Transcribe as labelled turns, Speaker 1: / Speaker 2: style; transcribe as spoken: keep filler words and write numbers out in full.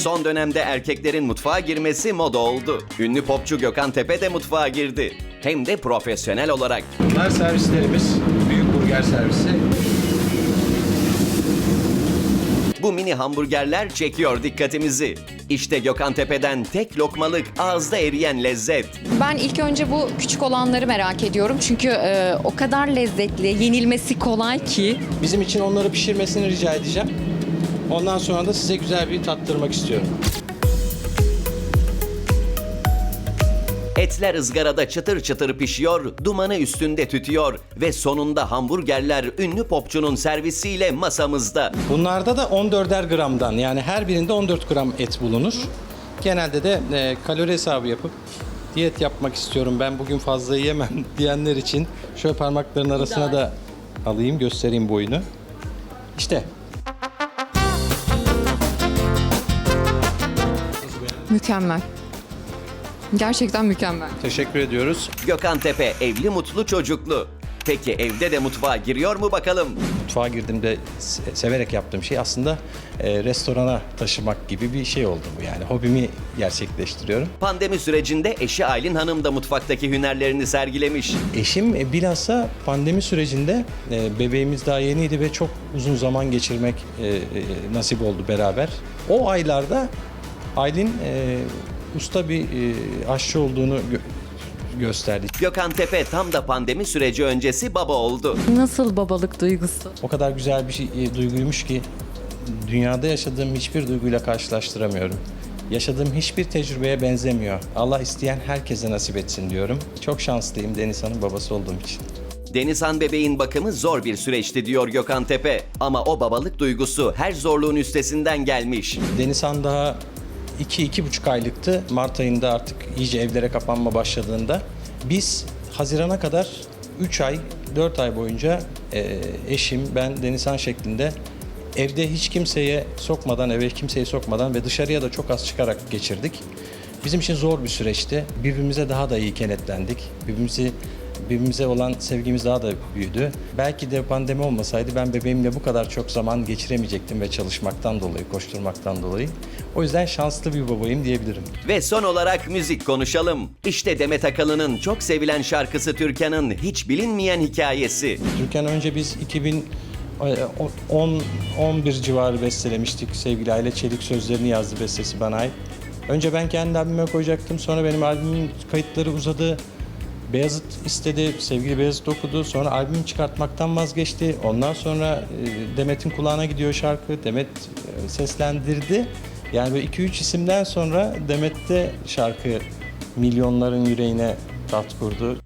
Speaker 1: Son dönemde erkeklerin mutfağa girmesi moda oldu. Ünlü popçu Gökhan Tepe de mutfağa girdi. Hem de profesyonel olarak.
Speaker 2: Bunlar servislerimiz. Büyük burger servisi.
Speaker 1: Bu mini hamburgerler çekiyor dikkatimizi. İşte Gökhan Tepe'den tek lokmalık ağızda eriyen lezzet.
Speaker 3: Ben ilk önce bu küçük olanları merak ediyorum. Çünkü e, o kadar lezzetli, yenilmesi kolay ki.
Speaker 2: Bizim için onları pişirmesini rica edeceğim. Ondan sonra da size güzel bir tattırmak istiyorum.
Speaker 1: Etler ızgarada çıtır çıtır pişiyor, dumanı üstünde tütüyor ve sonunda hamburgerler ünlü popçunun servisiyle masamızda.
Speaker 2: Bunlarda da on dörder gramdan, yani her birinde on dört gram et bulunur. Genelde de e, kalori hesabı yapıp diyet yapmak istiyorum, ben bugün fazla yiyemem diyenler için şöyle parmakların arasına da alayım, göstereyim boyunu. İşte.
Speaker 3: Mükemmel. Gerçekten mükemmel.
Speaker 2: Teşekkür ediyoruz.
Speaker 1: Gökhan Tepe evli mutlu çocuklu. Peki evde de mutfağa giriyor mu bakalım?
Speaker 2: Mutfağa girdiğimde se- severek yaptığım şey aslında e, restorana taşımak gibi bir şey oldu bu, yani hobimi gerçekleştiriyorum.
Speaker 1: Pandemi sürecinde eşi Aylin Hanım da mutfaktaki hünerlerini sergilemiş.
Speaker 2: Eşim e, bilhassa pandemi sürecinde e, bebeğimiz daha yeniydi ve çok uzun zaman geçirmek e, e, nasip oldu beraber. O aylarda Aylin e, usta bir e, aşçı olduğunu gö- gösterdi.
Speaker 1: Gökhan Tepe tam da pandemi süreci öncesi baba oldu.
Speaker 3: Nasıl babalık duygusu?
Speaker 2: O kadar güzel bir şey, e, duyguymuş ki dünyada yaşadığım hiçbir duyguyla karşılaştıramıyorum. Yaşadığım hiçbir tecrübeye benzemiyor. Allah isteyen herkese nasip etsin diyorum. Çok şanslıyım Denizhan'ın babası olduğum için.
Speaker 1: Denizhan bebeğin bakımı zor bir süreçti diyor Gökhan Tepe. Ama o babalık duygusu her zorluğun üstesinden gelmiş.
Speaker 2: Denizhan daha iki iki buçuk aylıktı. Mart ayında artık iyice evlere kapanma başladığında. Biz Haziran'a kadar üç ay, dört ay boyunca e, eşim, ben, Denizhan şeklinde evde hiç kimseye sokmadan, eve kimseyi sokmadan ve dışarıya da çok az çıkarak geçirdik. Bizim için zor bir süreçti. Birbirimize daha da iyi kenetlendik. Birbirimizi Birbirimize olan sevgimiz daha da büyüdü. Belki de pandemi olmasaydı ben bebeğimle bu kadar çok zaman geçiremeyecektim ve çalışmaktan dolayı, koşturmaktan dolayı. O yüzden şanslı bir babayım diyebilirim.
Speaker 1: Ve son olarak müzik konuşalım. İşte Demet Akalın'ın çok sevilen şarkısı Türkan'ın hiç bilinmeyen hikayesi.
Speaker 2: Türkan önce biz iki bin on on bir civarı bestelemiştik. Sevgili Aile Çelik sözlerini yazdı, bestesi bana ait. Önce ben kendi albüme koyacaktım. Sonra benim albümün kayıtları uzadı. Beyazıt istedi, sevgili Beyazıt okudu. Sonra albüm çıkartmaktan vazgeçti. Ondan sonra e, Demet'in kulağına gidiyor şarkı. Demet e, seslendirdi. Yani böyle iki üç isimden sonra Demet'te şarkı milyonların yüreğine taht kurdu.